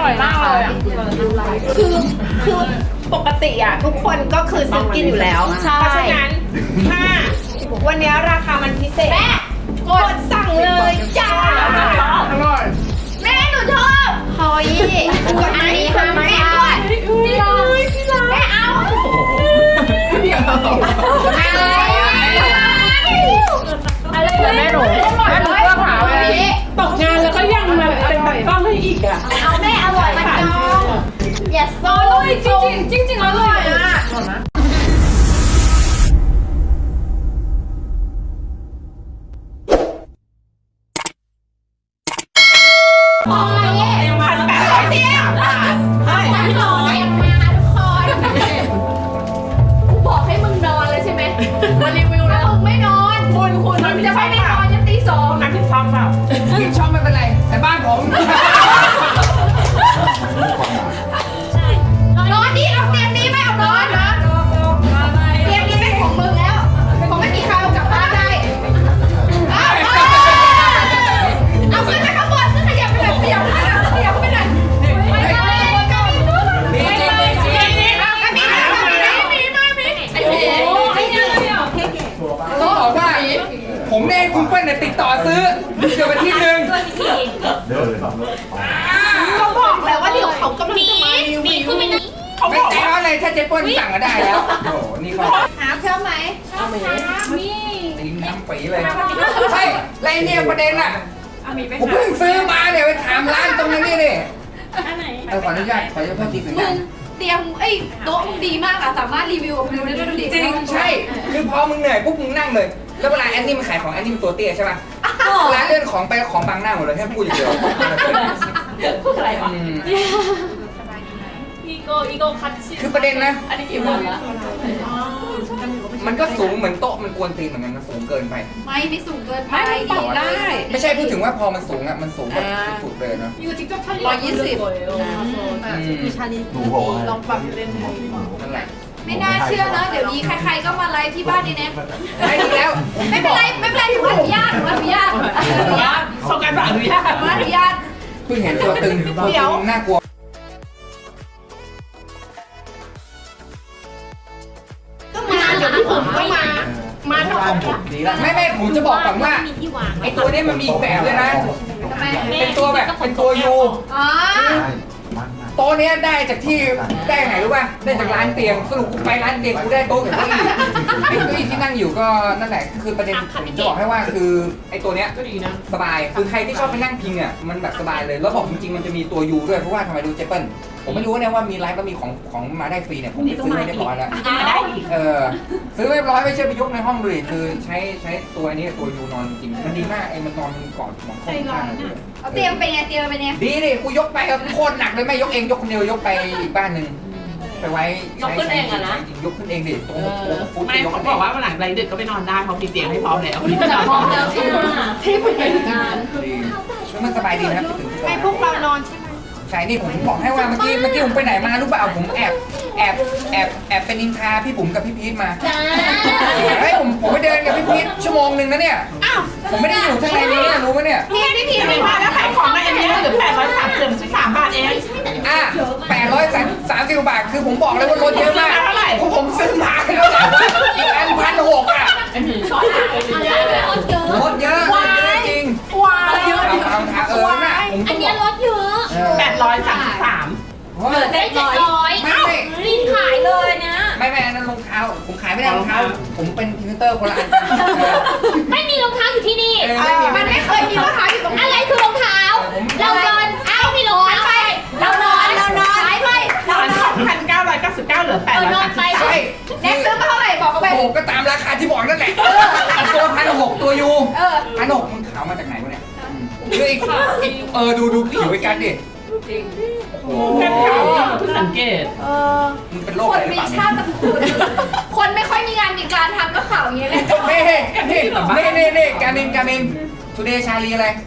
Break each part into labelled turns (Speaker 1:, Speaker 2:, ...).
Speaker 1: ร่อยมากเลยอ่ะคือปกติอ่ะทุกคนก็คือซื้อกินอยู่แล้วเพราะฉะนั้นถ้าวันนี้ราคามันพิเศษกดสั่งเลยจ้าอร่อยแม่หนูชอบเฮ้ยกดไหมกดไหมพี่ร้อยแม่เอาอะไรแม่หนูก็เผาตกงานแล้วก็ยังมาเป็นแบบกล้องให้อีกอ่ะเอาแม่อร่อยมันจองอย่าโซ่จริงอร่อยอ่ะโอ้ย1,800 บาทเฮ้ยมาทุกคนกูบอกให้มึงนอนเลยใช่ไหมมารีวิวแล้วมึงไม่นอนคุณมันจะไม่นอนยันตี 2นักที่ซ้ำแบบ
Speaker 2: ที่ชอบไม่เป็นไรแต่บ้านผม
Speaker 1: นอนดิเอาเตียงนี้ไม่เอานอนนะเตียงนี้เป็นของมึงแล้วเป็นของไม่มีใครเอากลับบ้านได้เอาขึ้นไปข้างบนขึ้นขยับไปเลยขยับไปหน่อยขยับไปหน่อย
Speaker 2: ต้องบอกว่าผมได้คุณเปิ้ลเนี่ยติดต่อซื้อเดี๋ยวไปที่นึง
Speaker 1: เขาบอกแล้วว่าเดี๋ยวเขากำลังจะมารีวิว
Speaker 2: ไม่ใจร้อนเลยถ้าเจ๊เปิ้ลสั่งก็ได้แล้วโอ้โหนี่เขา
Speaker 1: หาเชื่อไหมชอบมี
Speaker 2: ตีน้ำปีเลยใช่ไรเนี่ยประเด็นอ่ะผมเพิ่งซื้อมาเนี่ยไปถามร้านตรงนี้นี่ขออนุญาตขอโทษทีสัญญา
Speaker 1: เตียงโต๊ะมึงดีมากอะสามารถรีวิวกับวิวได้ด้วยดิ
Speaker 2: จริงใช่คือพอมึงเหนื่อยปุ๊บมึงนั่งเลยแล้วเวลาแอนนี่มันขายของแอนนี่มันตัวเตี้ยใช่ป่ะร้านเลื่อนของไปของบางหน้าหมดเลยแค่พูดอย่างเดียว
Speaker 1: พูดอะไรวะ
Speaker 2: คือประเด็นนะ
Speaker 1: อันนี้กี่วันละ
Speaker 2: มันก็สูงเหมือนโต๊ะมันกวนตีนเหมือนกันนะสูงเกินไป
Speaker 1: ไม่สูงเกินไป
Speaker 2: ดีได้ไม่ใช่พูดถึงว่าพอมันสูงอ่ะมันสูงแบบสุดๆเลยเนาะ
Speaker 1: 120
Speaker 3: คือชาลีลองปรับเป็น
Speaker 2: นั่นแหละ
Speaker 1: ไม่น่าเชื่อนะเดี๋ยวนี้ใครๆก็มาไลฟ์ที่บ้านนี่แน่
Speaker 2: ไม่ดีแล้ว
Speaker 1: ไม่เป็นไรถือว่าอนุญาต
Speaker 3: ส่งการอนุญาต
Speaker 2: เพิ่งเห็นตัวตึงน่ากลัว
Speaker 1: ก็มาเดี๋ยวพี่ผมก็มาทั้งหมด
Speaker 2: ไม่ผมจะบอกก่อนว่าไอตัวนี้มันมีอีกแบบเลยนะเป็นตัวแบบเป็นตัวยูโต๊ะนี้ได้จากที่ได้ไหนรู้ป่ะได้จากร้านเตียงสรุปกูไปร้านเตียงกูได้โต๊ะกับเก้าอี้ไอ้เก้าอี้ที่นั่งอยู่ก็นั่นแหละคือประเด็นผมจะบอกให้ว่าคือไอ้ตัวเนี้ย
Speaker 3: ก็ดีนะ
Speaker 2: สบายคือใครที่ชอบไปนั่งพิงอ่ะมันแบบสบายเลยแล้วบอกจริงๆมันจะมีตัวยูด้วยเพราะว่าทำไมดูเจเปิ้ลผมไม่รู้เนี่ยว่ามีไลฟ์แล้วมีของมาได้ฟรีเนี่ยผมซื้อเรียบร้อยแล้วซื้อเรียบร้อยไม่ใช่ไปยกในห้องดูดิคือใช้ตัวนี้ตัวยูนอนจริงมันดีมากไอ้มันนอนกอดหมอนข้าง
Speaker 1: เอาเตียงเป็นไง
Speaker 2: ดีดิกูยกไปโคตรหนักเลยไม่ยกเองยกคนเดียวยกไปอีกบ้านหนึ่งไปไว้
Speaker 3: ยกขึ้นเองอะนะ
Speaker 2: ยกขึ้นเองดิตรงฟุต
Speaker 3: ไม่เขาบอกว่าหลังไรดึกก็ไปนอนได้เพราะมีเตียงให้พร้อมแล้ว
Speaker 1: พร้อมแล้วที่ผมไปงาน
Speaker 2: ช่วยมันสบายดีนะครับ
Speaker 1: ให้พวกเรานอนใช่ไหม
Speaker 2: ใช่นี่ผมบอกให้ว่าเมื่อกี้ผมไปไหนมารู้เปล่าผมแอบเป็นนินทาพี่บุ๋มกับพี่พีทมาเฮ้ยผมไปเดินกับพี่พีทชั่วโมงนึงนะเนี่ยผมไม่ได้อยู่ข้างในนี้รู้ไหมเนี่ย
Speaker 1: พี่ไม่
Speaker 3: มาแล้วขายของมาเอ็มนี่เหลือ833 บาทเอง
Speaker 2: 830 บาทคือผมบอกเลยว่าลดเยอะมากผมซื้อมาแล้วอีกอัน1,600อ่ะลดเยอะจริง
Speaker 1: เยอะ
Speaker 2: เอาน่ะ
Speaker 4: อันนี้ลดเยอะ
Speaker 3: 833
Speaker 4: เหลือ700รีบขายเลยนะ
Speaker 2: ไม่อันนั้นรองเท้าผมขายไม่ได้รองเท้าผมเป็นพรีเซนเตอร์คนละอัน
Speaker 4: ไม่มีรองเท้าอยู่ที่นี่
Speaker 1: มันไม่เคยมีรองเท้าอยู่ตรงนี้
Speaker 4: อะไรคือรองเท้าเรานอนมีรองเท้าไปเรานอนขายไป
Speaker 3: 2,999เหลือ833
Speaker 2: ใช่
Speaker 1: แน็กซื้อมาเท่าไหร่บอกเขาไป
Speaker 2: ก็ตามราคาที่บอกนั่นแหละตัว1,600ตัวยู1,600มึงขาวมาจากไหนวะเนี่ยดูผิวไอ้กันดิ
Speaker 3: กันขาวเพิ่งสังเกต
Speaker 2: มันเป็นโรคอะไร
Speaker 1: มีชาติตระกูลคนไม่ค่อยมีงานมีการทำก็ข่าวอย่างเงี้ยเลย
Speaker 2: นี่การเมนทูเดย์ชาลีอะไร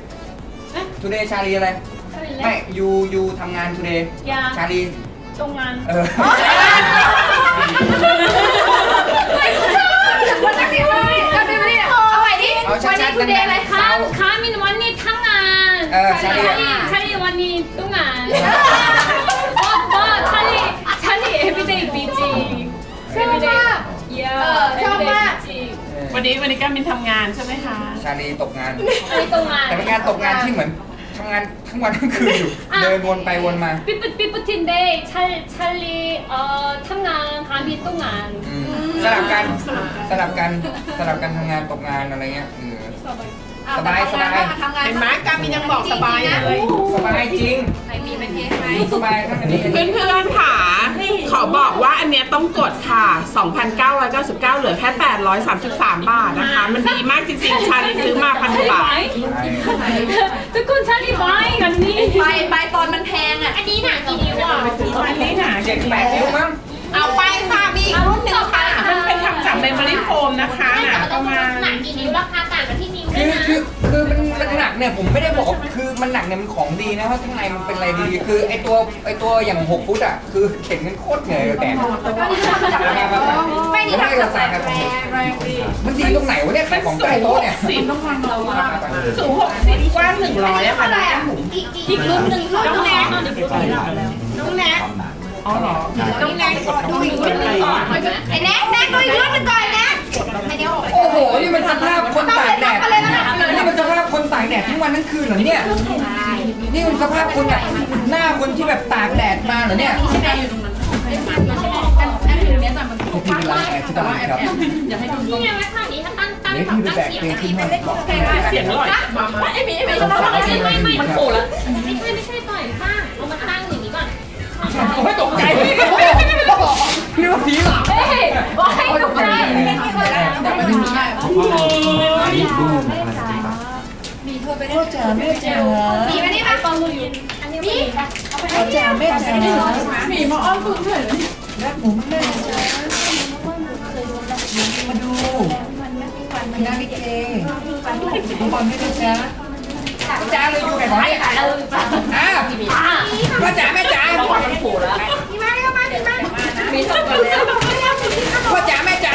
Speaker 2: ไม่ยูทำงานทูเดย์ชาลี
Speaker 1: ตรงงานวันนี้เอาใหม่ดิวันนี้ทูเดย์อะไร
Speaker 4: คะมินวันนี้ทั้งงาน
Speaker 2: ชาลี
Speaker 4: วันนี้ตุ้งงาน
Speaker 3: วันนี้การมินทำงานใช่ไหมคะ
Speaker 2: ชาลีตกงาน
Speaker 4: ไปตรงงาน
Speaker 2: แต่เป็นงานตกงานที่เหมือนทำงานทั้งวันทั้งคืนอยู่ เดินวนไปวนมา
Speaker 4: 삐뿌틴데 찰리 탐난 감이 똥안
Speaker 2: สลับกันสลับกันทำงานตกงานอะไรเงี้ยสบาย
Speaker 1: ทำงานเห็นไหมการมินยังบอกสบายเลย
Speaker 2: สบายจริง
Speaker 1: ไหนมีเป็นเทสไหม
Speaker 2: สบายทั้งอันนี้
Speaker 3: เพื่อนๆค่ะขอบอกว่าอันเนี้ยต้องกดค่ะ 2,999 เหลือแค่ 833 บาทนะคะ มันดีมากจริงๆ ฉันซื้อมาพันกว่าบาท
Speaker 4: ทุกคน찰리 마이 언니
Speaker 1: ใบตอนมันแพงอ่ะ
Speaker 4: อันนี้หนักกี่นิ้วอ่ะ
Speaker 3: อันนี้หนา
Speaker 2: 7-8 นิ้วมั้ง
Speaker 1: เอาไปค่ะมีอีกรุ่นหนึ่งค่ะ
Speaker 3: มันเป็นทำจากเมมโมรี่โฟมนะคะหนาประมาณ
Speaker 4: หนักกี่นิ้วราคาต่างกันที่นิ้วด้
Speaker 2: คื
Speaker 4: วย
Speaker 2: อ
Speaker 4: นะ
Speaker 2: คือมันหนักเนี่ยผมไม่ได้บอกคือมันหนักเนี่ยมันของดีนะเพราะข้างในมันเป็นอะไรดีคือไอตัวอย่าง6 ฟุตอ่ะคือเข็นกันโคตรเหนื่อยเลยแต่ไม่นี่ทำจากแรงมันดีตรงไหนวะเนี่ยขายของใต้โต๊ะเนี่ย
Speaker 3: สูง60กว้าง100อะค่ะน้องหมู
Speaker 4: อีกรุ่นหนึ่งค่ะ
Speaker 1: น้องแนกน้องแนก
Speaker 3: อ๋อเหรอ
Speaker 1: น้องแนกดูอีกรุ่นหนึ่งก่อนไอ้แนกดูอีกรุ่นหนึ่งก่อนแนกไอ้เดี๋ยว
Speaker 2: โอ้โหนี่มันสภาพคนตากแดดนี่มันสภาพคนตากแดดทั้งวันทั้งคืนเหรอเนี่ยนี่มันสภาพคนแบบหน้าคนที่แบบตากแดดมาเหรอเนี่ยพี่เป็นร้านแอร์ที่ตลาดครับ
Speaker 4: นี่ไงว่าท่านี้ถ้าตั้ง
Speaker 2: เดี๋ยวพี่ไปแบกเตียงขึ้นห้องบอก
Speaker 3: เสียงอร่อย
Speaker 2: มันโผล่แล้ว
Speaker 4: ไม่ใช่ต่อยข้างเอามาตั้งอย่างนี้ก่อน
Speaker 2: โอ้ยตกใจพี่ว่าผีหรอ
Speaker 4: เฮ้ยว่าให้ตกใจ
Speaker 2: แต่ไม่ได้มีได้พ่อจ๋าแม่จ๋า
Speaker 1: มีไหมนี่ป่ะ
Speaker 4: นี่
Speaker 2: พ่อจ๋าแม่จ๋า
Speaker 3: มีมาอ้อนคุณเฉย
Speaker 2: รักหนูมากเลยจ๋ามาดูนาฬิกาดูบอลไม่ได้จ๋าจ๋าเลยอยู่ไหนของเนี่ยอ่ะพ่อจ๋าแม่จ๋า
Speaker 3: มันโผล่แล้ว
Speaker 1: มีไหมก็มามีไหม
Speaker 3: มีทั้งหมดแล้ว
Speaker 2: พ่อจ๋าแม่จ๋า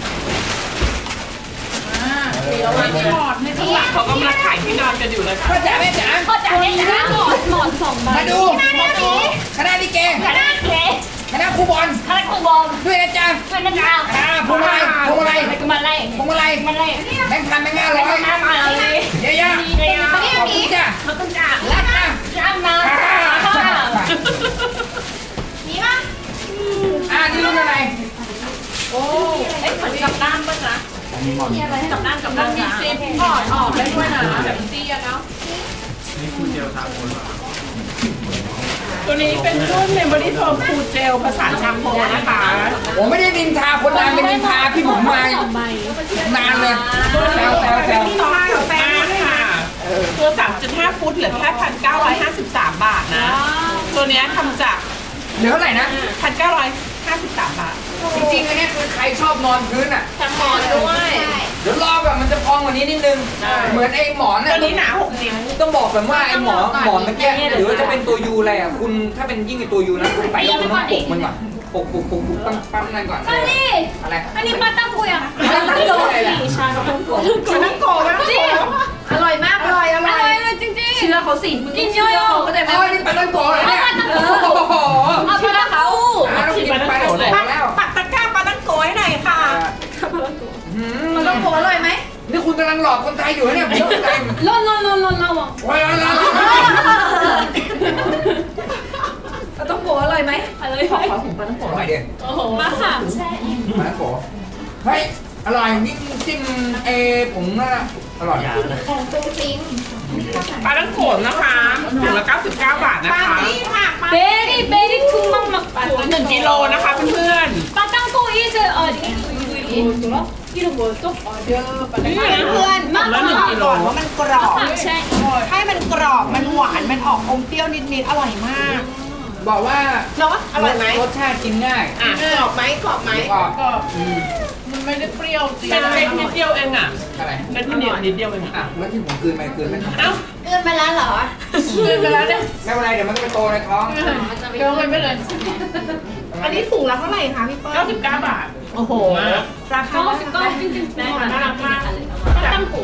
Speaker 3: เขากำลังขายที่นอนกันอยู่เลย
Speaker 2: พ่อจ๋าแม่จ๋า
Speaker 4: ก็จะให้นะหมอนสองใบ
Speaker 2: มาดูคณะลิเก
Speaker 4: คณะเก๋
Speaker 2: คณะครูบอล
Speaker 4: คณะครูบอล
Speaker 2: ด้วยนะจ๊ะ
Speaker 4: คณะดาว
Speaker 2: พวงมาลัย
Speaker 4: มาไล่
Speaker 2: พวงมาลัย
Speaker 4: มาไล่
Speaker 2: แบงค์พันแบงค์500
Speaker 4: มาเลย
Speaker 2: เยอะๆขอบคุณจ้ะ
Speaker 4: เขาต้องจ่า
Speaker 2: รักนะ
Speaker 4: จ้างนะ
Speaker 1: มีป่ะ
Speaker 2: นี่รุ่นอะไร
Speaker 4: เอ้ยเหมือนกับด้านป่ะจ๊ะกับด้านมีซีมออกได้ด้วยนะแบบซีอะเนาะ
Speaker 3: ตัวนี้เป็นรุ่นเมมโมรี่โฟมคูลเจลผสานแชมพูนะคะ
Speaker 2: ผมไม่ได้นินทาคนดังเป็นนินทาพี่ผมมานานเลยแซว
Speaker 3: มีข้าวแป้งค่ะตัว 3.5 ฟุตเหลือแค่ 1,953 บาทนะ ตัวเนี้ยทำจาก
Speaker 2: เหลือเท่าไหร่นะ
Speaker 3: 1,953 บาท
Speaker 2: จริงๆอันนี้คือใครชอบนอนพื้นอ่ะ
Speaker 4: ทำหมอนด้วย
Speaker 2: เดี๋ยวรอแบบมันจะพองกว่านี้นิดนึง เหมือนไอ้หมอน
Speaker 3: ตัว
Speaker 2: น่ะ
Speaker 3: นี้หนา 6 นิ้ว
Speaker 2: ต้องบอกแบบว่าไอ้หมอนเมื่อกี้หรือว่าจะเป็นตัวยูอะไรอ่ะคุณถ้าเป็นยิ่งไอ้ตัวยูนะคุณไปแล้วคุณต้องปลุกมันก่อนปลุกปั๊มนั่นก่อนอะไร
Speaker 4: อันนี้มาตั้งกุยอ่ะ
Speaker 2: ตั้งโตอะไรล่ะ
Speaker 3: มันนั่งโกมันนั่งโก
Speaker 1: อร่อยมากอร่อย
Speaker 4: เลยจริงๆเชื่อเขาสิกินเยอะๆเขาจะ
Speaker 2: อ๋อนี่ปลาตั้งโตเหรอเนี่ยโอ้โห
Speaker 4: เอาไปแล้วเขา
Speaker 2: ต้องกินปลาตั้งโตแล้ว
Speaker 3: ปักตะกร้าปลาตั้งโกให้หน่อยค่ะ
Speaker 1: มันต้องโผล่อร่อยไหม
Speaker 2: นี่คุณกำลังหลอกคนไทยอยู่เนี่ยผมเข้าใจ
Speaker 4: ร้อนระวัง
Speaker 2: ว้าว
Speaker 1: มันต้องโผล่อร่อยไหม
Speaker 4: อะไร
Speaker 3: ขอถุงปลาตั้งโก
Speaker 2: อร่อยดิ
Speaker 4: มาค่ะ
Speaker 2: ปลาตั้งโตเฮ้ยอร่อยนี่จิ้มผมน่ะอร่อย
Speaker 3: ปลาตั้งโกนะคะถุงละ99 บาทนะคะ
Speaker 4: เบรี่คุมมัก
Speaker 3: 1 กิโลนะคะเพื่อน
Speaker 4: ปาตังโกอีเจอ이름 뭐였죠?
Speaker 1: เพื่อนๆมาก่อนว่ามันกรอบ
Speaker 4: ใช่
Speaker 1: ให้มันกรอบมันหวานมันออกอมเปรี้ยวนิดๆอร่อยมาก
Speaker 2: บอกว่า
Speaker 1: เนาะอร่อยไหม
Speaker 2: รสชาติกินง่าย
Speaker 3: อ่ะ
Speaker 1: กรอบไหมกรอบไหม
Speaker 2: กรอบ
Speaker 3: ก็มันไม่ได้เปรี้ยวจริงเป็นเม็ดนิดเดียวเองอ่ะ
Speaker 2: อะไร
Speaker 3: เม็ดนิดเดียวเอง
Speaker 2: อ่ะแล้วที่ผมคืนไปคืนไป
Speaker 3: เอ้า
Speaker 1: เกินไปแล้วเหรอ
Speaker 3: ลืมไปแล้วเนี่ย
Speaker 2: ไม่เป็นไรเดี๋ยวมันก็ไปโตในท้อง
Speaker 3: เดี๋ยวไปไม่เลย
Speaker 1: อันนี้ถุงละเท่าไหร่คะพี่เปิ้ล
Speaker 3: 99 บาท
Speaker 1: โอ้โหราคา
Speaker 4: ก็จริงๆน่ารักมากปาตังโก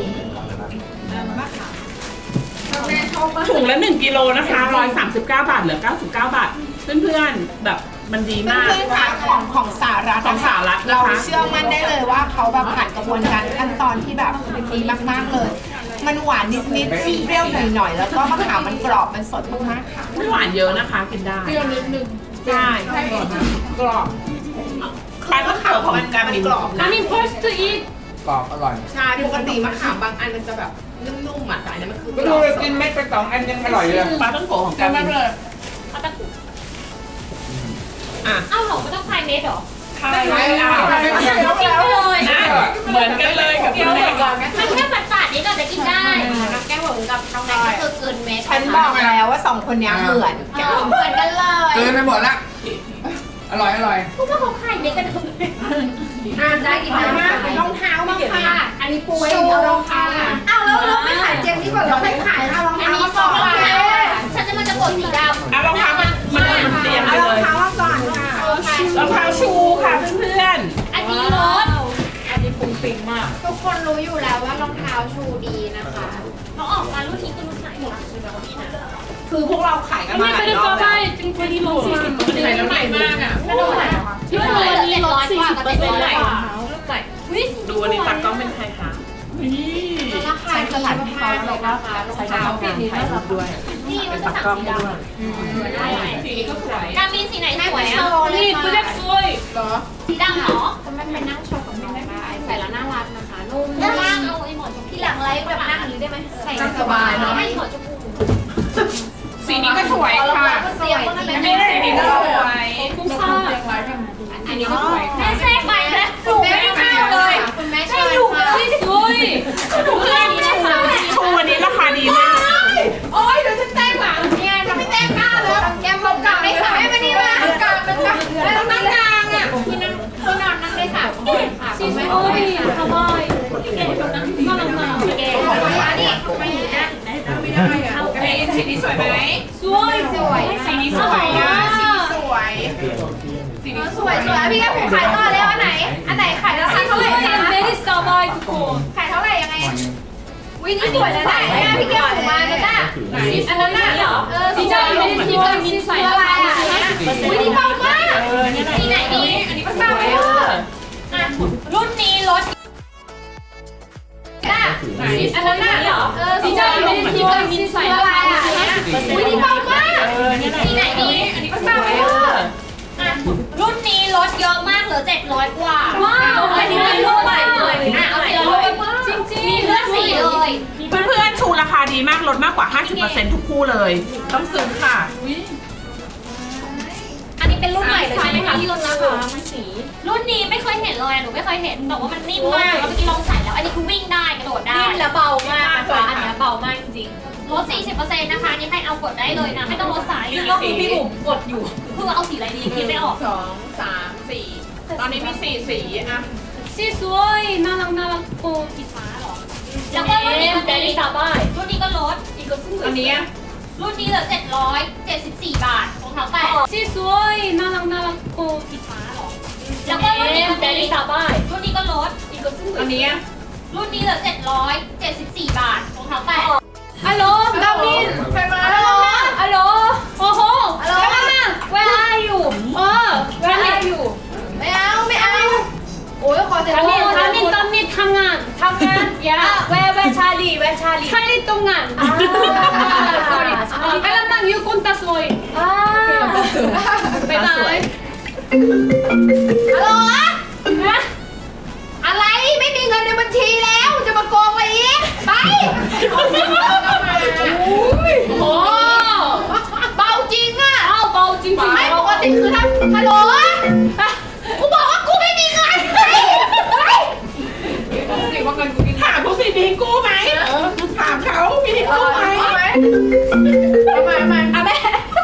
Speaker 3: ถุงละ1 กิโลนะคะ139 บาทเหลือ99 บาท เพื่อนๆแบบมันดีมาก
Speaker 1: เพื่อนๆคะของสหรัฐ
Speaker 3: ของสหรัฐนะคะ
Speaker 1: เราเชื่อมั่นได้เลยว่าเขาแบบผ่านกระบวนการขั้นตอนที่แบบดีมากๆเลย มันหวานนิดๆเปรี้ยวหน่อยๆแล้วก็มะขามมันกรอบมันสดมากๆค่ะ
Speaker 3: ไม่หวานเยอะนะคะกินได้
Speaker 1: ใช่
Speaker 3: กรอบคล้ายมะขามของการมิน
Speaker 1: กรอบนะ
Speaker 4: I mean first to eat
Speaker 2: กรอบอร่อย
Speaker 1: ใช่ปกติมะขามบางอันมันจะแบบนุ่มๆอ่ะแต่อันนี้มันคือ
Speaker 2: ก็ดูเลยกินเม็ดไป2 อันยังอร่อยเลย
Speaker 3: ปลาต้องโกะของการมิน
Speaker 4: เอาตะกุ
Speaker 3: อ่ะ
Speaker 4: เอ้าเหรอไม่ต้องคลายเม็ดเหรอ
Speaker 3: ใช่แล้ว
Speaker 4: กินไปเลย
Speaker 3: นะเหมือนกันเลยกับคุณแม่
Speaker 4: มันแค่ฝาดๆนิดหน่อยแต่กินได้น้องแก้วผมกับน้องแน็กก็คือเกินเม็ด
Speaker 1: ฉันบอกแล้วว่า2คนนี้เหมือนกัน
Speaker 4: เหมือนกันเลย
Speaker 2: เกินไปหมดละอร่อยอร่อย
Speaker 4: พวกเขาคลายเม็ดกันทำไมได้กินได้มาก
Speaker 1: รองเท้ามาค่ะ
Speaker 4: อันนี้ปุ้ย
Speaker 1: เอารองเท้าอ้าวแล้วไม่ขายเจมที่บอกเราไม่ขายเอารอง
Speaker 4: อัน
Speaker 1: เท้า
Speaker 4: นี้
Speaker 1: มา
Speaker 4: ฟ
Speaker 1: ก่
Speaker 4: อ
Speaker 1: อง น
Speaker 4: รอง
Speaker 1: ค่ะ
Speaker 4: เท้าฉันจะมันจะกดสีดำ
Speaker 3: เอารองเท้ามันเตรียมไป
Speaker 1: เอาร
Speaker 3: เล
Speaker 1: อง
Speaker 3: ย
Speaker 1: เท้ามาก่อนค่ะ
Speaker 3: รองเท้าชูค่ะเพื่อน
Speaker 4: อันนี้รถ
Speaker 5: ทุกคนรู้อยู่แล้วว่ารองเท้าชูดีนะคะ
Speaker 4: เขาออกมารุ่นนี้คือรุ่นไหนคะใช่ไหมวันนี้นะ
Speaker 1: คือพวกเราขายกันมาหลายรอบแล้ว
Speaker 4: จริงๆที่ลด40%
Speaker 3: ๆใส่แล้วใหม่มากอ่ะ
Speaker 4: ไม่ต้องไหนที่วันนี้ลด40%เลยวิ
Speaker 3: ดูอันนี้ตัดกล้องเป็นไทยค่ะนี่
Speaker 5: ราคาดีมากเลยนะคะรอง
Speaker 3: ใช้
Speaker 5: เท้า
Speaker 3: กล้องถ่ายรูปด้วย
Speaker 4: นี่มัน
Speaker 3: ตั
Speaker 4: จะ
Speaker 3: ด
Speaker 4: สั่ง
Speaker 3: กล้อง
Speaker 4: สี
Speaker 3: ให้
Speaker 4: ด
Speaker 3: ด้วย
Speaker 4: ำการบินสีไหนสวย
Speaker 5: โช
Speaker 4: อ่ะ
Speaker 5: ว์เลยค่ะ
Speaker 4: สีดำเหรอ
Speaker 5: จะมันไปนั่งโชว์กับน้องได้ใส่แล้วน่ารักนะคะ นุ่ม
Speaker 4: ด้านล่างเอาไอ้หมอนชมพู
Speaker 5: ที่หลังไลฟ์แบบนั่งอย่างนี้ได้ไหมใส่
Speaker 1: สบายเนอะ
Speaker 4: ให้หมอนชมพู
Speaker 3: สีนี้ก็สวยค่ะ
Speaker 5: เสียบก็ไม่
Speaker 3: อัน
Speaker 5: ได้
Speaker 3: นี้สีนี้ก็สวย
Speaker 4: คุ้มค่า
Speaker 5: อันนี้ก็สวย
Speaker 4: แม่แทรกไปนะถูกไม่เข้าเลย
Speaker 5: คุณแม่
Speaker 4: ให้
Speaker 5: เชิญ
Speaker 4: ดู
Speaker 5: ค่ะ
Speaker 4: สวยเพื่อนนี่นะคะ
Speaker 3: ชูวันนี้ราคาดีมาก
Speaker 1: โอ๊ยเดี๋ยวฉันแจ้งหลังเนี่ยจะไม่แจ้งหน้าเลย
Speaker 5: แก้มบอกกับไม่สาม
Speaker 1: แม่มานี่มามันกลางแล้วนั่งกลางอ่ะ
Speaker 5: ที่นั่งคุณนอนนั่งได้3 คนค่ะคุณแม่
Speaker 4: โอ้ยทำไมเก๋แบบนั้นน่ารักมาก
Speaker 5: เก๋ค่ะนี่ไม่ดีนะ
Speaker 3: สีนี้สวยไหม
Speaker 4: สวย
Speaker 5: สวย
Speaker 3: สีนี้สวยอ่ะ
Speaker 1: สวย
Speaker 5: สวยพี่แก้มผมขายต่อแล้วอันไหนขายราคาเท่าไหร่
Speaker 4: เบรี่สบายทุกคน
Speaker 5: ขายเท่าไหร่ยังไงวินี่สวยนะเนี่ยพี่แก้มผมมาแล้วจ้ะ
Speaker 4: อันนั้นน่ะเหรอ
Speaker 5: สีดำ
Speaker 4: เบรี่ที่การมินใส่แล้วค่ะ
Speaker 5: วินี่เบามาก
Speaker 4: สีไหนดี
Speaker 5: อันนี้ก็เบาเลย
Speaker 4: อ่ะรุ่นนี้ลด
Speaker 5: จ้ะ
Speaker 4: อันนั้นน่ะเหรอสีดำเบรี่ที่การมินใส่แล้วค่ะ
Speaker 5: วินี่เบามาก
Speaker 4: สีไหนดี
Speaker 5: อันนี้ก็เบาเลย
Speaker 4: อ่ะรุ่นนี้ลดเยอะมากเหลือ700กว่าว้าวอันนี้เป็นรุ่นใหม่เลยอ่ะเอาทีละรุ่นจริงๆมีเลือกสีเลย
Speaker 3: เพื่อนๆชูราคาดีมากลดมากกว่า 50%ทุกคู่เลย ต้องซื้อค่ะ
Speaker 4: อันนี้เป็นรุ่นใหม่เลยใช่ไหมคะที่ลดราคารุ่นนี้ไม่เคยเห็นเลยหนูไม่เคยเห็นแต่ว่ามันนิ่มมากแล้วเมื่อกี้ลองใส่แล้ว อันนี้คือวิ่งได้กระโดดได้นิ่มและเบามากนะคะอันนี้เบามากจริงๆลด 40%นะคะนี่ให้เอากดได้เลยนะไม่ต้องลดสายก็คือพี่บุ๋มกดอยู่คือเอาสีอะไรดีคิดไม่ออก
Speaker 3: 2 3 4 ตอนนี้มี4สีอ่ะ
Speaker 4: สีสวยน่ารักน่ารักโกสีฟ้าหรอแล้วก็รุ่นนี้ก็ดีรุ่นนี้ก็ลดอีกก็ซึ่ง
Speaker 3: อันนี้
Speaker 4: รุ่นนี้เหลือ774 บาทรองเท้าแตะสีสวยน่ารักน่ารักโกสีฟ้าหรอแล้วก็รุ่นนี้ก็ดีรุ่นนี้ก็ลดอีกก็ซึ่ง
Speaker 3: อันนี้
Speaker 4: รุ่นนี้เหลือ774 บาทรองเท้าแตะ
Speaker 5: ฮัลโหลดาวินใครมาฮัลโหล
Speaker 4: ฮัลโหลโอ้โห
Speaker 5: ฮัลโหล
Speaker 4: Where are you
Speaker 5: Where are you ไม่เอาโอ้ยขอเสียง
Speaker 4: ตอนนี้ทำงาน yeah where Charlie ตรงงาน sorry กำลังอยู่คนตาสวยบ๊ายบาย
Speaker 5: ฮัลโหลอะไรไม่มีเงินในบัญชีแล้วจะมาโกงอะไรอีกไป
Speaker 4: โอ้
Speaker 5: เบาจริงอ่ะ
Speaker 4: เอาเบาจริงๆ
Speaker 5: ไม่ปกติคือถ้าฮัลโหลกูบอกว่ากูไม่มีเงินไป
Speaker 3: ถามเขาสิมีกู้ไหมถามเขามีกู้ไหม
Speaker 5: เอาไหมเอาแม่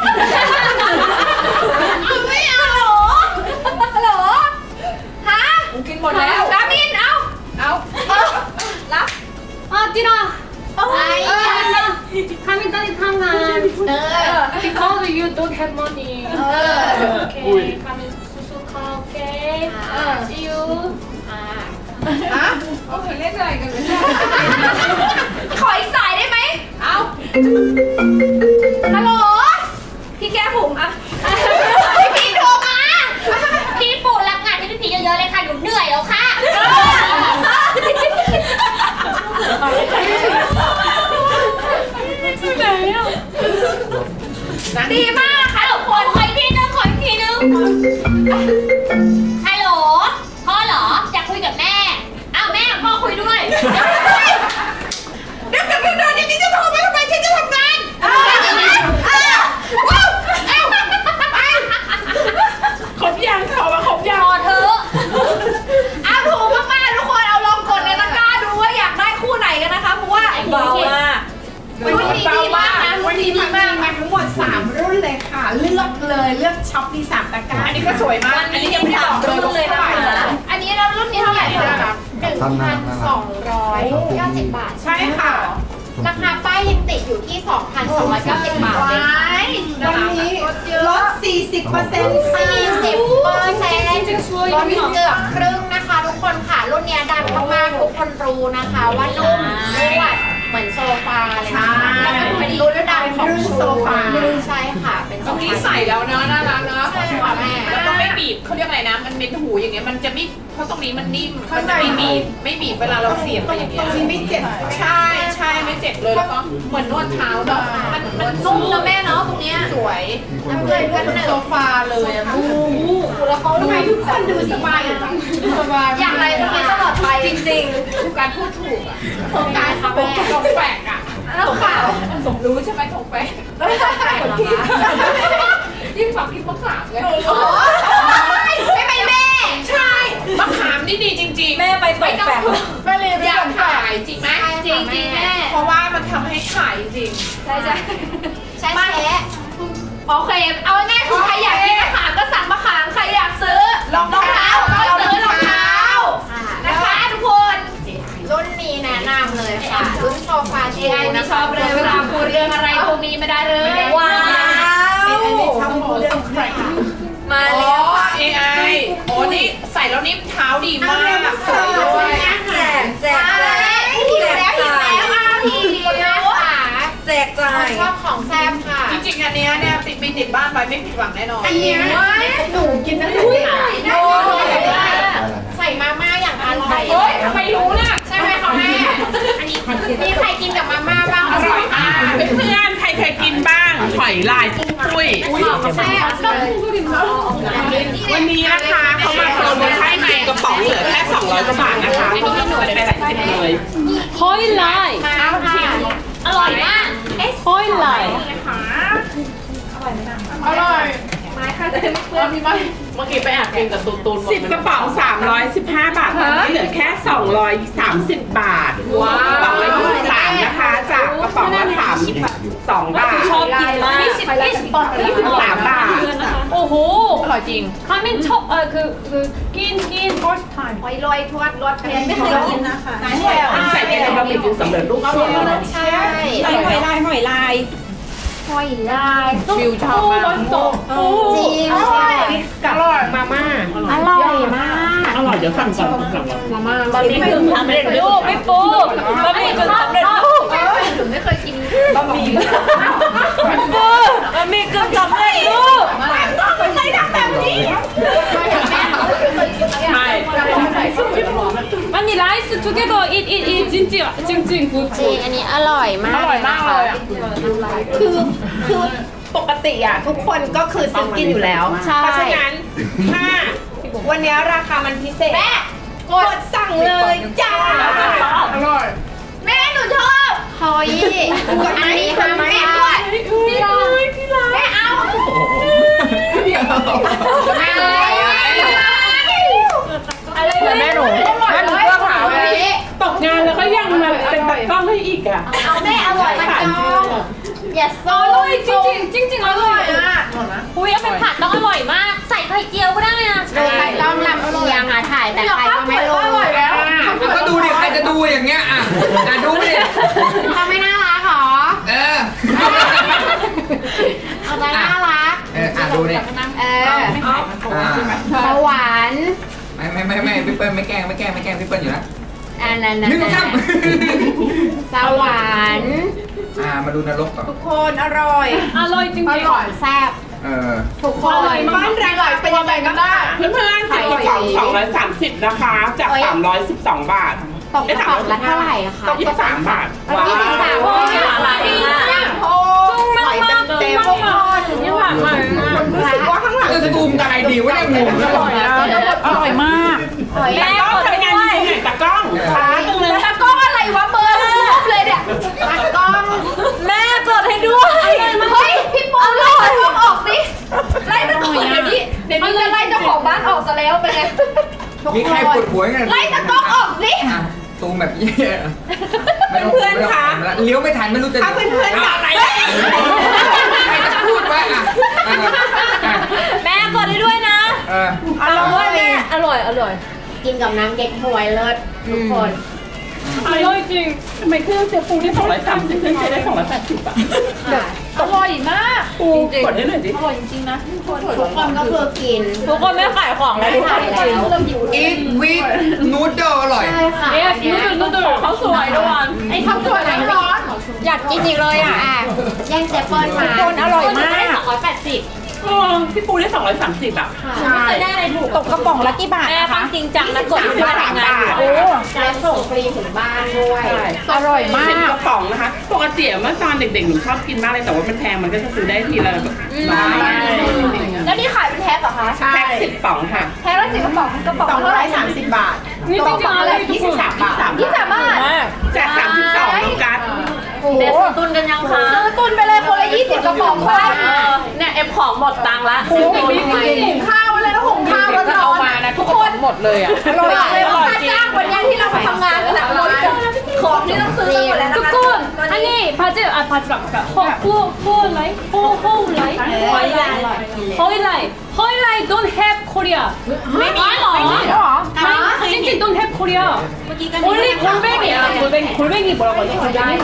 Speaker 5: ไม่เอาฮัลโหลฮะ
Speaker 1: กูกินหมดแล้ว
Speaker 5: ดามินเอารับ
Speaker 4: ตินา
Speaker 5: ไอ้
Speaker 4: comingตอนนี้ทำงาน because you don't have money okay comingสุๆค่ะ okay see you
Speaker 1: ฮะเขาเคยเล่นอะไรกันเลย
Speaker 5: ขออีกสายได้ไหม
Speaker 1: เอา
Speaker 5: ฮัลโหลพี่แก้ผมอ่ะพี่พีโทรมา
Speaker 1: ทั้งหมด 3 รุ่นเลยค่ะ เลือกเลยเลือกช็อปมี3ตะกร้า
Speaker 3: อันนี้ก็สวยมาก อันนี้ยังไม่ได้บอกเลยว่าเท่าไหร่นะ
Speaker 5: อันนี้เรารุ่นนี้เท่าไหร่คะ1,290 บาท
Speaker 1: ใช่ค่ะ
Speaker 5: ราคาป้ายยังติดอยู่ที่ 2,290 บาทเอง
Speaker 1: วันนี้ลด 40%
Speaker 5: 40%ลดเกือบครึ่งนะคะ ทุกคนค่ะ รุ่นเนี้ยดังมากๆทุกคนรู้นะคะว่านุ่มนวดเหมือนโซฟาเลยนะคะแล้วก็เป็นรุ่นดังของโซฟาใช่ค่ะ เป็นโซ
Speaker 3: ตรง
Speaker 5: ฟา
Speaker 3: นี้ใส่แล้วเนอะน่ารักเนอะ
Speaker 5: ใช่ค่ะแม่
Speaker 3: แล้วก็ไม่บีบเขาเรียกอะไรนะ มันเป็นหูอย่างเงี้ย มันจะไม่ เพราะตรงนี้มันนิ่ม มันจะไม่บีบเวลาเราเสียบไปอย่างเงี้ย
Speaker 1: ตรงนี้ไม่เจ็บ
Speaker 3: ใช่ใช่ไม่เจ็บเลยแล้วก็เหมือนนวดเท้าเนาะมันนุ่มนะแม่เนาะตรงเนี้ยสวย
Speaker 5: น้ำเกลือกันหนึ่ง
Speaker 1: โซฟาเลยอะแล้วเขาทำไมทุกคนดูสบายจังสบาย
Speaker 5: อย่างไรตรงนี้ตลอดไปจริง
Speaker 3: คือการพูดถูกอ่ะ
Speaker 5: ๆโครงการค่ะแม่
Speaker 3: ทงแฝกอ่ะ
Speaker 5: แล้วค่ะ
Speaker 3: สมรู้ใช่ไหมทงแฝก
Speaker 5: แล้วไม่ใช่ใครเหรอคะ
Speaker 3: ยิ่งฝักพริกมะขามเลย
Speaker 5: โอ้ยใช่ไหมแม่
Speaker 3: ใช่มะขามนี่ดีจริงๆ แม่ไปตกแฝก
Speaker 1: ไม่เลยไม่
Speaker 3: อยาก
Speaker 1: ต้อง
Speaker 3: ขา
Speaker 1: ขาย
Speaker 3: ยจริงไหม
Speaker 5: จริงจริงแม่
Speaker 3: เพราะว่ามันทำให้ขายจริง
Speaker 5: ใช่ใช่ใช่แช่โอเค เอาง่ายๆคือใครอยากกินมะขามก็สั่งมะขาม ใครอยากซื้อรองเท้าก็ซื้อรองเท้านะคะทุกคน รุ่นนี้แนะนำเลยค่ะ รุ่นโซฟาชูไม่ชอบเลยเวลาพูดเรื่องอะไรพวกนี้ไม่ได้เลย ว้าว
Speaker 1: อันนี้ทำเรื่องแปลก
Speaker 5: มา
Speaker 3: อ๋อ
Speaker 5: แล้วค่ะ
Speaker 3: AI โอ้นี่ใส่แล้วนี่เท้าดีมากสวยด้วย
Speaker 5: แจกหิวแล้วพี่ค่ะ
Speaker 6: แจกจ่าย
Speaker 5: ชอบของแซมค่ะ
Speaker 3: จริงๆอันเนี้ยเนี่ยติดบ้านไว้ไม่ผิดหวังแน่นอน
Speaker 1: อันเนี้ยหนูกินตั้งแต่เด็ก
Speaker 5: ใส่มาม่าอย่างอร่อย
Speaker 3: เฮ้ยทำไมรู้น่ะ
Speaker 5: ใช่ไหมคะแม่อันนี้มีใครกินกับมาม่าบ้าง
Speaker 3: อร่อยมากเพื่อนๆใครเคยกินบ้างหอยลายปุ้งปุ้ย
Speaker 5: แซ่บเลย
Speaker 3: วันนี้นะคะเขามาโปรโมชั่นในกระป๋องเหลือแค่200กว่าบาทนะคะไม่ต้องไปหลายสิบเลย
Speaker 4: Highlight
Speaker 5: มาค่ะ
Speaker 4: อร่อยมาก Highlight
Speaker 1: อร่อย
Speaker 3: เมื่อกี้ไปแอบกินกับตูน10กระป๋อง315 บาทตอนนี้เหลือแค่230 บาทว้าวกระป๋องละ23นะคะจากกระป๋องละ32 บาท
Speaker 4: ชอบกินมาก
Speaker 3: 23 บาท
Speaker 4: โอ้โห
Speaker 3: อร่อยจริง
Speaker 4: ทามินชอบกิน first time
Speaker 5: หอยลอยทวดรสเพียนไม่เคยกินนะคะ
Speaker 3: ใส่ในบะหมี่กึ่งสำเร็จรูปก็อร่อยแล้วนะ
Speaker 5: ใช่
Speaker 6: หอยลาย
Speaker 5: หอยลาย
Speaker 3: วิวชอบมาก
Speaker 5: จริง
Speaker 1: อร่อยมาม่า
Speaker 5: อร่อยมาก
Speaker 3: อร่อยเดี๋ยวสั่งก่อนมาม่า
Speaker 4: บะหมี่กึ่งสำเร็จรูปไม่ปูบะหมี่กึ่งสำเร็จรูป
Speaker 5: หนูไม่เคยกิน
Speaker 3: บะหมี่
Speaker 4: ปูบะหมี่กึ่งสำเร็จรูป
Speaker 3: ใส่ดังแบบนี้ไม่
Speaker 4: มันนี่ rice together eat จริงจริง good
Speaker 5: จริงอันนี้อร่อยมาก
Speaker 3: อร่อยมากเลยอ่ะ
Speaker 1: คือปกติอ่ะทุกคนก็คือซื้อกินอยู่แล้ว เพราะฉะนั้นถ้าวันนี้ราคามันพิเศษกดสั่งเลยจ้าอร่อย
Speaker 5: แม่หนูชอบเฮ้ยอันนี้ค่ะแม่ด้วยพี่รักแม่เอาอะไรแม่หนูเสื้อขาวเลย
Speaker 3: ตกงานแล้วก็ยังมาเป็นตากล้องให้อีกอ่ะ
Speaker 5: เอาแม่อร่อยมากอย่าโซ่
Speaker 4: อร่อยจริงอร่อยอุ้ยเอาไปผัดต้องอร่อยมาก ใส่ไข่เจียวก็ได้นะ
Speaker 5: ดูใครต้องลำเอียงอ่ะถ่ายแต่ใครก็ไม่รู้อร่อยแล้ว
Speaker 2: ก็ดูดิใครจะดูอย่างเงี้ยอ่ะดูดิ
Speaker 5: ทำไม่น่ารักหรอ
Speaker 2: เออ
Speaker 5: เอาใจน่ารัก
Speaker 2: ดูดิ
Speaker 5: สวรรค์
Speaker 2: ไม่พี่เปิ้ลไม่แกล้งพี่เปิ้ลอยู่นะ
Speaker 5: อันนั้น
Speaker 2: หนึ่งสอง
Speaker 5: สวรรค์
Speaker 2: มาดูนรกก่อน
Speaker 1: ทุกคนอร่อย
Speaker 4: อร่อยจริง
Speaker 5: ของแซ่บ
Speaker 1: ทุกคนบ้านเราเป็นยังไงกันบ้าง
Speaker 3: เพื่อนๆ10กระป๋อง230นะคะจาก312 บาท
Speaker 5: ตกกระป๋องละเท่าไหร่อะคะ
Speaker 3: 23 บาท
Speaker 5: 23
Speaker 4: โอ้ย
Speaker 5: อะไร
Speaker 1: โอ้ยเต็มทุกคน
Speaker 4: นี่หวานมาก
Speaker 1: รู้สึกว่าข้างหลัง
Speaker 2: จะซูมได้ดีวะเนี่ยงง
Speaker 3: อร่อยนะอร่อยมาก
Speaker 4: แม่
Speaker 3: ตากล้อง
Speaker 4: กด
Speaker 3: ทำงาน
Speaker 4: ด้วย
Speaker 3: ที่ไหนตากล้องช้าจังเลย
Speaker 5: ตะก้องอะไรวะเบอร์รูปเลยเนี่ยตะก้อง
Speaker 4: แม่กดให้ด้วย
Speaker 5: เฮ้ยพี่ปูไล่ตะก้องออกสิไล่ตะก้องเดี๋ยวนี้จะไล่เจ้าของบ้านออกซะแล้วเป็นไง
Speaker 2: มีใครปวดหัวกัน
Speaker 5: ไล่ตะก้องออกสิ
Speaker 2: ซูมแบบเย่เลี้ยวไม่ทันไม่รู้จะ
Speaker 1: ถ้าเพื่อนๆอยาก
Speaker 2: อะไร
Speaker 5: เลยกินกับน้ำเก๊กฮวยเลิศทุกคน
Speaker 3: อร่อยจริงทำไมเครื่องเจ๊ปูได้230เครื่องเจ๊ได้280อ่ะ
Speaker 5: อร่อยมาก
Speaker 3: ปูกดได้หน่อยดิ
Speaker 5: อร่อยจริงๆนะทุกคน
Speaker 1: ทุกคนก็คือกิน
Speaker 5: ทุกคนไม่ขายของแล้วทุกคน
Speaker 1: แล้ว
Speaker 2: อีทวิทนูดเดิลอร่อย
Speaker 1: ใช่ค่ะ
Speaker 5: เอ๊ะนูดูเขาสวยด้วยไอ้ข้าวสวยร้อนอยากกินอีกเลยอ่ะ
Speaker 1: แย่งเจเปิ้ลมา
Speaker 5: คนอร่อยมาก
Speaker 3: พี่ปูได้230อ่ะ
Speaker 5: ไม่เคยได้อะไรถูกตกกระป๋องละกี่บาทนะคะจริงจังนะกดเพื่อนทำงานอยู่
Speaker 3: โอ้
Speaker 1: แล้วส่งฟรีถึงบ้านด้วย
Speaker 5: อร่อยมา
Speaker 3: 10
Speaker 5: ก
Speaker 3: กระป๋องนะคะปกติเมื่อตอนเด็กๆหนูชอบกินมากเลยแต่ว่ามันแพงมันก็จะซื้อได้ทีละแบบน้อย
Speaker 5: แล้วนี่ขายเป็นแพ็คเหรอคะ
Speaker 3: แพ็ค10ป๋องค่ะ
Speaker 5: แพ็คละ10กระป๋องกระป๋องเท่าไหร่
Speaker 1: 230 บาท
Speaker 3: นี่จริงๆอะไร23 บาท
Speaker 5: 23 บาท
Speaker 3: จาก32โลกัส
Speaker 5: เดี๋ยวซื้อตุนกันยังคะซื้อตุนไปเลยคนละ20กระป๋องค่ะเนี่ยเอ็มของหมดตังค์ละซื้อตุนไปหุงข้าวเลยแล้วหุงข้าวแล้วเอามานะทุกคนหมดเลยอ่ะอร่อยเลยค่าจ้างวันนี้ที่เราไปทำงานกันแหละของที่ต้องซื้อหมดแล้วนะคะ
Speaker 6: 두꺼운 아니 바지 아 바지가 아까 허라이 허일라이 don't have Korea
Speaker 5: ไม่มีหรอ
Speaker 6: 찡찡 don't have Korea only 골뱅이야 골뱅이 뭐라고 하지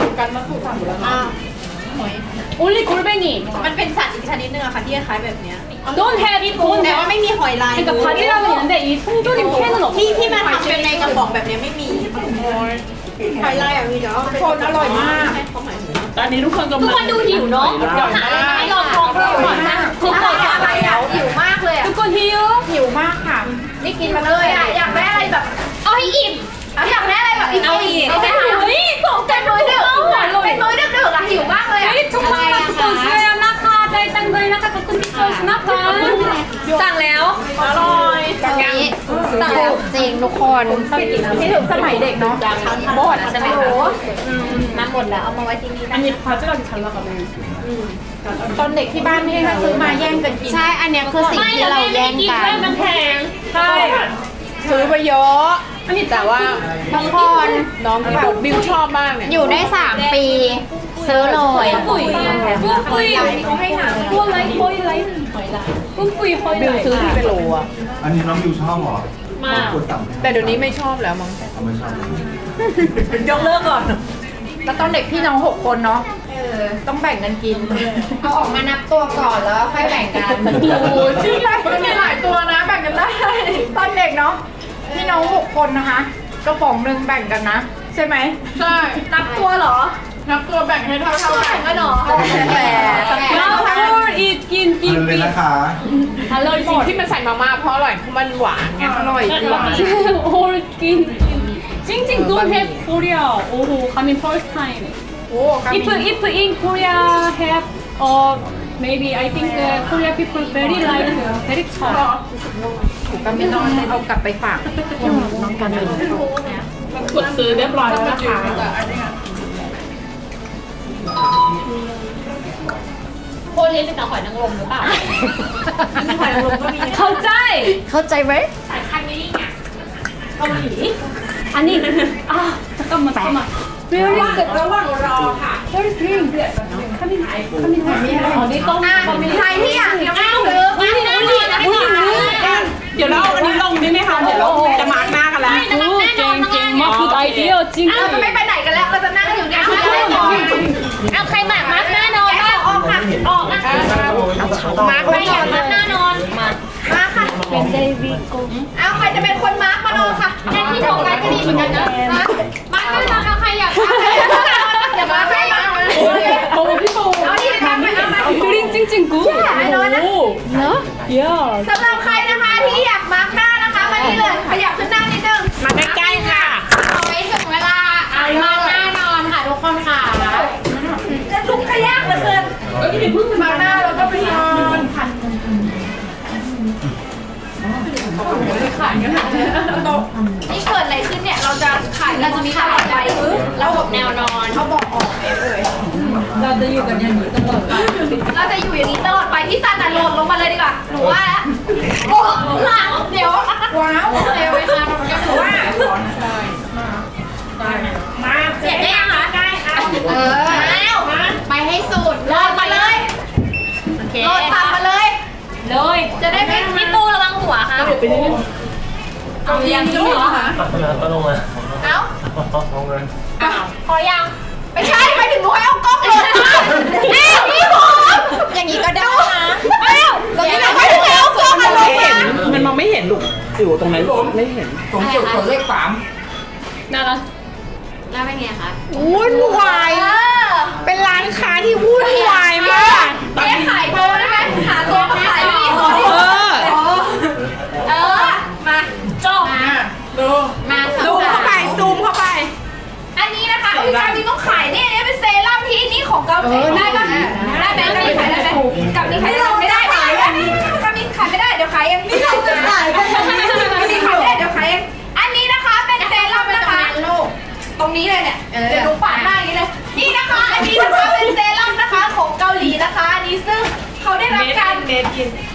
Speaker 6: only 골뱅이
Speaker 5: มันเป็นสัตว์อีกชนิดนึงอะค่ะที่คล้ายแบบเนี้ย
Speaker 6: don't have
Speaker 5: แต่ว่าไม่มีหอยลาย
Speaker 6: 그러니까 바지락은 있는데 이 통조림 캔은 없어
Speaker 5: ที่มันทำเป็นในกระป๋องแบบนี้ไม่มีหอยลายอะมีเนาะคนอร่อยมาก
Speaker 3: ตอนนี้ทุกคนกำลัง
Speaker 4: ทุกคนดูหิวเนาะหาอะไรมาให้ลองเพิ่มก่อนนะ
Speaker 5: ทุกคนอะไรอะหิวมากเลยอะ
Speaker 6: 두꺼운 히유
Speaker 5: หิวมากค่ะนี่กินมาเลยอะอยากได้อะไรแบบ
Speaker 4: เอาให้อิ่ม
Speaker 5: อยากได้อะไรแบบเอาอีกเป็นมื้อดึกเป็นมื้อดึกอะหิวมากเลยอะ
Speaker 6: 이 초콜릿 두꺼운 수야 나카 달땅거리 나카 두꺼운 디소스 나카 สั่งแล้ว
Speaker 5: อร่อย
Speaker 1: สั่งแล้วจริงทุกคน
Speaker 5: ที่ถึงสมัยเด็กเนาะหมดใช่ไหมคะ
Speaker 1: มาหมดแล้วเอามาไว้ที่นี่ได้
Speaker 6: 아니 바지락이 잘 나가네
Speaker 5: ตอนเด็กที่บ้านพี่ถ้าซื้อมาแย่งกันกิน
Speaker 1: ใช่ อันเนี้ยคือสิ่ง
Speaker 4: ไม่
Speaker 1: ที่
Speaker 4: แล้ว
Speaker 1: เรา
Speaker 4: แม่
Speaker 1: แย่
Speaker 4: ไม่
Speaker 1: ง
Speaker 4: กิน
Speaker 1: กัน
Speaker 4: ด้วยมันแพง
Speaker 5: ใช่ซื้อไปเยอะแต่ว่า
Speaker 1: ทุกคน
Speaker 5: น้องแบบบิวชอบมากเนี่ย
Speaker 1: อยู่ได้ 3 ปี ซื้อเลย
Speaker 6: 뿜뿌이 뿜뿌이
Speaker 5: บิวซื้อ
Speaker 6: 허일라이
Speaker 5: ที่เป็นโลอะ
Speaker 7: อันนี้น้องยูชอบเหรอ
Speaker 6: มาก
Speaker 7: กดต่ำ
Speaker 5: แต่เดี๋ยวนี้ไม่ชอบแล้วมั้ง
Speaker 7: เอาไม่ชอบ
Speaker 5: ยกเลิกก่อนแล้วตอนเด็กพี่น้อง6 คนเนาะต้องแบ่งกันกิน
Speaker 1: เอาออกมานับตัวก่อนแล้วค่อยแบ่งกัน
Speaker 5: โอ้จริงเลยมันมีหลายตัวนะแบ่งกันได้ตอนเด็กเนาะพี่น้อง6 คนนะคะกระป๋องหนึ่งแบ่งกันนะ ใช่ไหมใช่นับตัวเหรอนับตัวแบ่งให้เท่าๆกันก็เนาะแต่
Speaker 6: 나홀 이긴
Speaker 7: เงินเลยนะคะ
Speaker 6: 달러리
Speaker 5: หมดที่มันใส่มาม่าเพราะอร่อยเพราะมันหวานไงอร่อยจริง
Speaker 6: 홀 찡찡 don't have Korea 오호 coming first time
Speaker 5: โอ้กามิ
Speaker 6: if in Korea have maybe I think the Korea people very like very tough
Speaker 5: กามินอนเอากลับไปฝากน้องกามิน
Speaker 3: กดซื้อเรียบร้อยแล้วนะคะ
Speaker 4: โคเรียนเป็นแต่หอยนางรมหรือเปล่า
Speaker 6: เข้าใจ
Speaker 1: เข้าใจไหม
Speaker 4: สายพันธุ์นี้ไง
Speaker 6: 아니 아 잠깐만 Where is the
Speaker 5: ระหว่างรอค่ะ
Speaker 6: Where is green coming
Speaker 5: นี่ต้องใครที่อยากยังไม่ซื้อ
Speaker 4: งั้นแน่นอนนะคะ
Speaker 3: เดี๋ยวเราเอาอันนี้ลงได้ไหมคะเดี๋ยวเราจะมาร์กหน้ากันแล้ว
Speaker 4: ไม่นะแน่นอนข้างล่าง
Speaker 6: 마 good idea
Speaker 5: เราจะไม่
Speaker 6: 찡찡
Speaker 5: ไปไหนกันแล้วเราจะนั่งอยู่เนี่ย
Speaker 4: เอาใครหมากมัดแน่นอนบ้าง
Speaker 5: ออกค่ะ
Speaker 4: ออกนะคะ
Speaker 5: มาร์ค
Speaker 4: ใคร
Speaker 5: ไว้
Speaker 4: อ
Speaker 5: ก่
Speaker 4: ยา
Speaker 5: อก น
Speaker 4: มัดแน่นอนมา
Speaker 5: มาค่ะเอาใครจะเป็นคนมาร์คมาโนค่ะ
Speaker 4: แค่ที่โฟกัสก็ดีเหมือนกันนะมัดแน่นอนเอาใครอยากมัด
Speaker 5: อย่ามาให้มา
Speaker 3: โอ้พี่ปู
Speaker 5: เอาดิมาเอามา
Speaker 6: green 찡찡 good yeah
Speaker 5: สำหรับใครนะคะที่อยากมาร์คหน้านะคะมานี่เลยขยับขึ้นหน้านิดนึง
Speaker 3: มาใกล้ๆค่ะ
Speaker 1: เอาไว้ถึงเวลามาแน่นอนค่ะทุกคนค่ะ
Speaker 5: จะลุกขยักเหลือเกินมาหน้าแล้วก็ไปนอนนี่เกิดอะไรขึ้นเนี่ยเราจะขายเราจะมีตลอดไประบบแนวนอนเขาบอกออกเลย เราจะอยู่อย่างนี้ตลอดไปที่ซันน่ะโหลดลงมาเลยดีกว่าหนูว่าแล้วโอ้หลังเดี๋ยวว้าวเร็วไปค่ะหนูว่ามา
Speaker 4: เสร็จได้ยังคะได้เอา
Speaker 5: แล้วไปให้สุดโหลดมาเลย
Speaker 4: โอเค
Speaker 5: โหลดทำมาเลย
Speaker 6: เลย
Speaker 5: จะได้ไม่
Speaker 4: พี่ปูระวังหัวค่ะ
Speaker 5: เอาอย่างนี้เหรอคะ
Speaker 8: ก็ลงมา
Speaker 5: เอ้า
Speaker 8: ลงเงิน
Speaker 4: พอยัง
Speaker 5: ไม่ใช่ไปถึงหนูให้เอากล้องลงมาพี่ผม
Speaker 1: อย่างนี้ก็ได้นะ
Speaker 5: เอ้าแล้วนี่เราไม่ถึงเอากล้องมาลงมา
Speaker 3: มันมองไม่เห็นลูกอยู่ตรงนั้นไม่เห็น
Speaker 2: ตรงจุดกดเลข3
Speaker 4: แล้วเป็นไงคะ
Speaker 1: วุ่นวาย เป็นร้านค้าที่วุ่นวายมาก
Speaker 5: เจ๊ขายตัวได้ไหมหาตัวมาขายไม่มีตัวดิมา
Speaker 4: จบมา
Speaker 1: ซูมเข้าไปซูมเข้าไป
Speaker 5: อันนี้นะคะอุ้ยการมีต้องขายเนี่ยเป็นเซรั่มที่นี่ของเกาหลีได้ปะได้ไหมได้ไหมขายได้ไหมกับนี้ขายไม่ได้ขายกับนี้ขายไม่ได้เดี๋ยวขายเองนี่เราจะขายกันกับนี้ขายไม่ได้เดี๋ยวขายเองอันนี้นะคะเป็นเซรั่มนะคะตรงนี้เลยเนี่ยเดี๋ยวดูปาดหน้าอย่างนี้เลยนี่นะคะอันนี้นะคะเป็นเซรั่มนะคะของเกาหลีนะคะอันนี้ซึ่งเขาได้รับการ